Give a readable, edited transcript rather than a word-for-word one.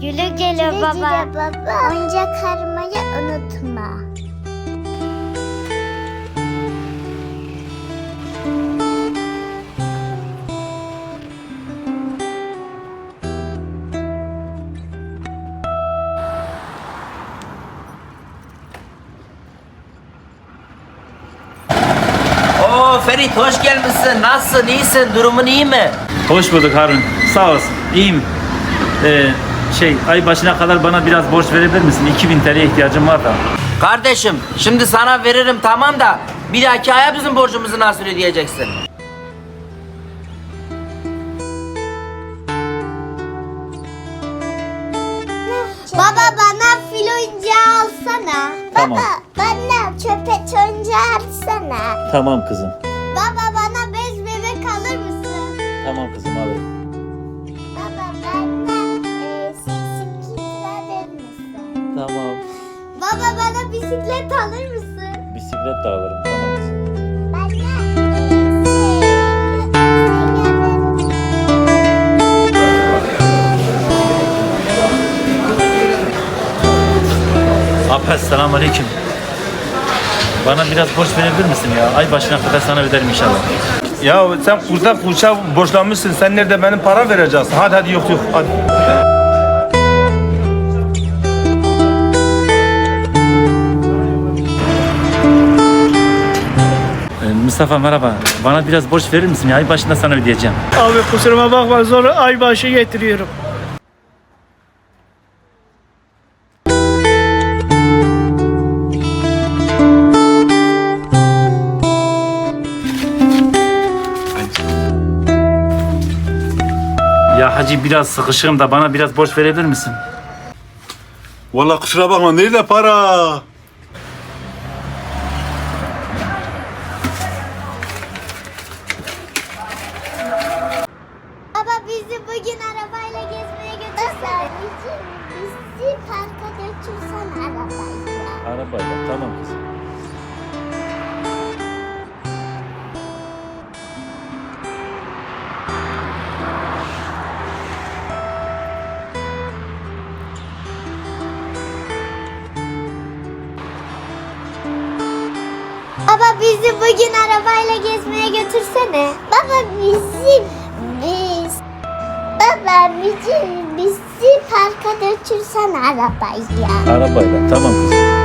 Güle güle baba. Oyuncak aramayı unutma. Oo Ferit hoş gelmişsin. Nasılsın? İyisin? Durumun iyi mi? Hoş bulduk Harun. Sağ olasın. İyiyim. Ay başına kadar bana biraz borç verebilir misin? 2000 TL ihtiyacım var da. Kardeşim şimdi sana veririm tamam da bir dahaki aya bizim borcumuzu nasıl ödeyeceksin? Baba bana fil oyuncağı alsana. Tamam. Baba bana köpek oyuncağı alsana. Tamam kızım. Baba bana bez bebek alır mısın? Tamam kızım alırım. Baba bana seksi verir misin? Tamam. Baba bana bisiklet alır mısın? Bisiklet de alırım. Tamam kızım. Abi selamünaleyküm. Bana biraz borç verebilir misin ya? Ay başına kadar sana öderim inşallah. Ya sen kurda kuşa borçlanmışsın. Sen nerede benim para vereceksin? Hadi yok hadi. Mustafa merhaba. Bana biraz borç verir misin ya? Ay başında sana ödeyeceğim. Abi kusuruma bakma zor ay başı getiriyorum. Ya hacı biraz sıkışığım da bana biraz borç verebilir misin? Vallahi kusura bakma. Nerede para? Baba bizi bugün arabayla gezmeye götürsen. Bizi parka götürsen arabayla. Arabayla. Tamam kızım. Baba bizi bugün arabayla gezmeye götürsene. Baba bizi parka götürsen arabayla. Arabayla. Tamam kızım.